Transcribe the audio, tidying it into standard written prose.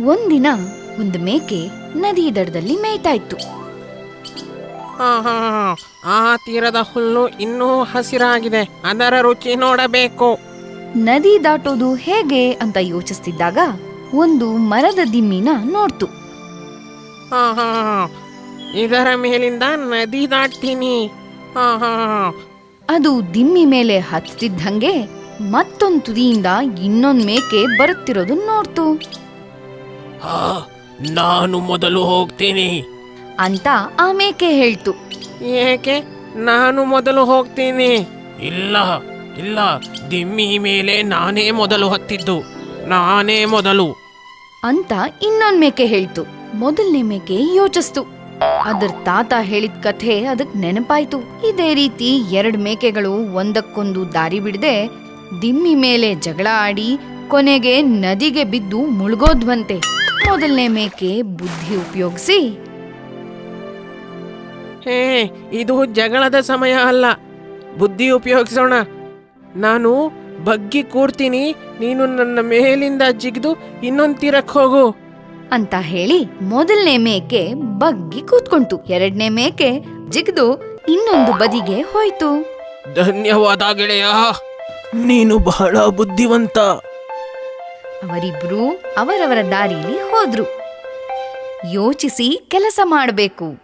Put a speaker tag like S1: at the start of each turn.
S1: ಒಂದಿನ ಒಂದು ಮೇಕೆ ನದಿ ದಡದಲ್ಲಿ ಮೇಯ್ತಾ ಇತ್ತು.
S2: ಆ ತೀರದ ಹುಲ್ಲು ಇನ್ನೂ ಹಸಿರಾಗಿದೆ, ಅದರ ರುಚಿ ನೋಡಬೇಕು.
S1: ನದಿ ದಾಟೋದು ಹೇಗೆ ಅಂತ ಯೋಚಿಸ್ತಿದ್ದಾಗ ಒಂದು ಮರದ ದಿಮ್ಮಿನ ನೋಡ್ತು.
S2: ಇದರ ಮೇಲಿಂದ ನದಿ ದಾಟ್ತೀನಿ.
S1: ಅದು ದಿಮ್ಮಿ ಮೇಲೆ ಹತ್ತಿದ್ದಂಗೆ ಮತ್ತೊಂದು ತುದಿಯಿಂದ ಇನ್ನೊಂದ್ ಮೇಕೆ ಬರುತ್ತಿರೋದು ನೋಡ್ತು.
S2: ನಾನು ಮೊದಲು ಹೋಗ್ತೀನಿ
S1: ಅಂತ ಆ ಮೇಕೆ ಹೇಳ್ತು.
S2: ಏಕೆ ನಾನು ಮೊದಲು ಹೋಗ್ತೀನಿ? ಇಲ್ಲ ಇಲ್ಲ, ದಿಮ್ಮಿ ಮೇಲೆ ನಾನೇ ಮೊದಲು ಹತ್ತಿದ್ದು, ನಾನೇ ಮೊದಲು
S1: ಅಂತ ಇನ್ನೊಂದ್ ಮೇಕೆ ಹೇಳ್ತು. ಮೊದಲನೇ ಮೇಕೆ ಯೋಚಿಸ್ತು. ಅದರ ತಾತ ಹೇಳಿದ ಕಥೆ ಅದಕ್ ನೆನಪಾಯ್ತು. ಇದೇ ರೀತಿ 2 ಮೇಕೆಗಳು ಒಂದಕ್ಕೊಂದು ದಾರಿ ಬಿಡದೆ ದಿಮ್ಮಿ ಮೇಲೆ ಜಗಳ ಆಡಿ ಕೊನೆಗೆ ನದಿಗೆ ಬಿದ್ದು ಮುಳುಗೋದ್ವಂತೆ. ಮೊದಲನೇ ಮೇಕೆ ಬುದ್ಧಿ ಉಪಯೋಗಿಸಿ,
S2: ಇದು ಜಗಳದ ಸಮಯ ಅಲ್ಲ, ಬುದ್ಧಿ ಉಪಯೋಗಿಸೋಣ. ನಾನು ಬಗ್ಗಿ ಕೂರ್ತೀನಿ, ನೀನು ನನ್ನ ಮೇಲಿಂದ ಜಿಗಿದು ಇನ್ನೊಂದು ತೀರಕ್ಕೆ ಹೋಗು
S1: ಅಂತ ಹೇಳಿ ಮೊದಲನೇ ಮೇಕೆ ಬಗ್ಗಿ ಕೂತ್ಕೊಂತು. 2ನೇ ಮೇಕೆ ಜಿಗಿದು ಇನ್ನೊಂದು ಬದಿಗೆ ಹೋಯ್ತು.
S2: ಧನ್ಯವಾದ ಗೆಳೆಯ, ನೀನು ಬಹಳ ಬುದ್ಧಿವಂತ.
S1: ಅವರಿಬ್ರು ಅವರವರ ದಾರಿಲಿ ಹೋದ್ರು. ಯೋಚಿಸಿ ಕೆಲಸ ಮಾಡಬೇಕು.